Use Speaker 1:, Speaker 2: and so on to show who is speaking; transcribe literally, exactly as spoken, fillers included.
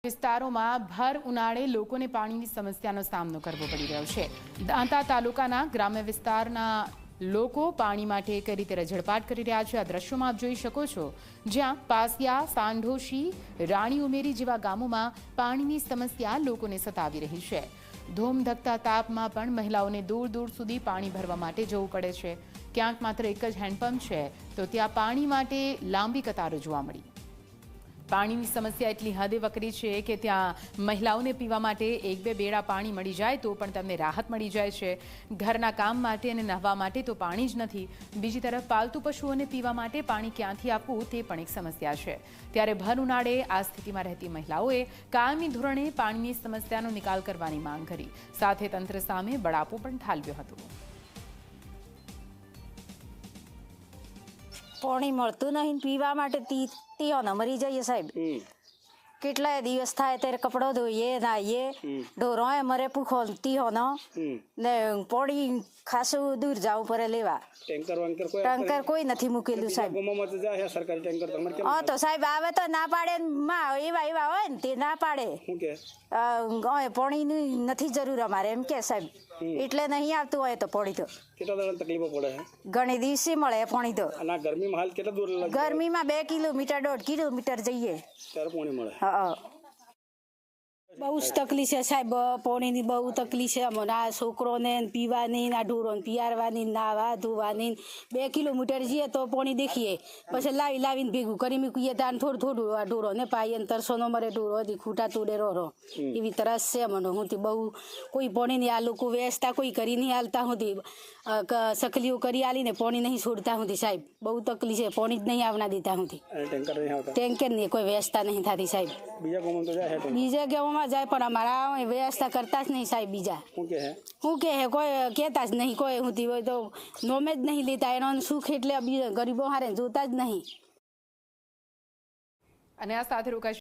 Speaker 1: વિસ્તારોમાં ભર ઉનાળે લોકોને પાણીની સમસ્યાનો સામનો કરવો પડી રહ્યો છે। દાંતા તાલુકાના ગ્રામ્ય વિસ્તારના લોકો પાણી માટે કઈ રીતે રઝળપાટ કરી રહ્યા છે આ દ્રશ્યોમાં આપ જોઈ શકો છો, જ્યાં પાસિયા, સાંઢોશી, રાણી ઉમેરી જેવા ગામોમાં પાણીની સમસ્યા લોકોને સતાવી રહી છે। ધોમધકતા તાપમાં પણ મહિલાઓને દૂર દૂર સુધી પાણી ભરવા માટે જવું પડે છે। ક્યાંક માત્ર એક જ હેન્ડપંપ છે તો ત્યાં પાણી માટે લાંબી કતારો જોવા મળી। પાણીની સમસ્યા એટલી હદે વકરી છે કે ત્યાં મહિલાઓને પીવા માટે એક બે બેડા પાણી મળી જાય તો પણ તેમને રાહત મળી જાય છે। ઘરના કામ માટે અને નહાવા માટે તો પાણી જ નથી, બીજી તરફ પાલતુ પશુઓને પીવા માટે પાણી ક્યાંથી આપવું તે પણ એક સમસ્યા છે। ત્યારે ભર ઉનાળે આ સ્થિતિમાં રહેતી મહિલાઓએ કાયમી ધોરણે પાણીની સમસ્યાનો નિકાલ કરવાની માંગ કરી, સાથે તંત્ર સામે બળાપો પણ ઠાલવ્યો હતો।
Speaker 2: પાણી મળતું નહીં, પીવા માટે તીઓને મરી જઈએ સાહેબ। કેટલાય દિવસ થાય ત્યારે કપડો ધોઈએ, નાહીએ, ઢોરોએ મરે પૂખો તીઓનો ને પાણી ખાસું દૂર જવું પડે લેવા। ટેન્કર કોઈ નથી મૂકેલું સાહેબ। હા તો સાહેબ આવે તો ના પાડે, માં એવા એવા હોય ને તે ના પાડે, પાણીની નથી જરૂર અમારે એમ કે સાહેબ, એટલે નહીં આવતું હોય તો પાણી તો
Speaker 3: તકલીફો પડે
Speaker 2: ઘણી દિવસે મળે પાણી તો।
Speaker 3: ગરમીમાં હાલ કેટલા દૂર લાગે?
Speaker 2: ગરમીમાં બે કિલોમીટર દોઢ કિલોમીટર જઈએ
Speaker 3: ત્યારે પાણી મળે।
Speaker 2: હા બહુ જ તકલીફ છે સાહેબ, પાણીની બહુ તકલીફ છે અમને। આ છોકરોને પીવાની, આ ઢોરોને પિયારવાની, નાવા ધોવાની, બે કિલોમીટર જઈએ તો પાણી દેખીએ, પછી લાવી લાવીને ભેગું કરી મૂકીએ ત્યાં થોડું થોડું આ ઢોરોને પાઈએ, તરસો નો મરે ઢોરો હતી ખૂટા તોડે રહો એવી તરસ છે મને। હું બહુ કોઈ પાણીની આ લોકો વ્યવસ્થા કોઈ કરી નહીં હાલતા હતી, સકલીઓ કરી આલીને પાણી નહીં છોડતા હતી સાહેબ। બહુ તકલીફ છે, પાણી જ નહીં આવના દેતા હતી, ટેન્કર નહીં, કોઈ વ્યવસ્થા નહીં થતી સાહેબ। બીજા ગામમાં જાય પણ અમારા વ્યવસ્થા કરતા જ નહીં સાહેબ। બીજા શું કે કોઈ કહેતા જ નહીં, કોઈ હોતી હોય તો નોમે જ નહીં લેતા, એનો સુખ એટલે બીજા ગરીબો હારે જોતા જ નહીં।
Speaker 1: અને આ સાથે રોકાઈ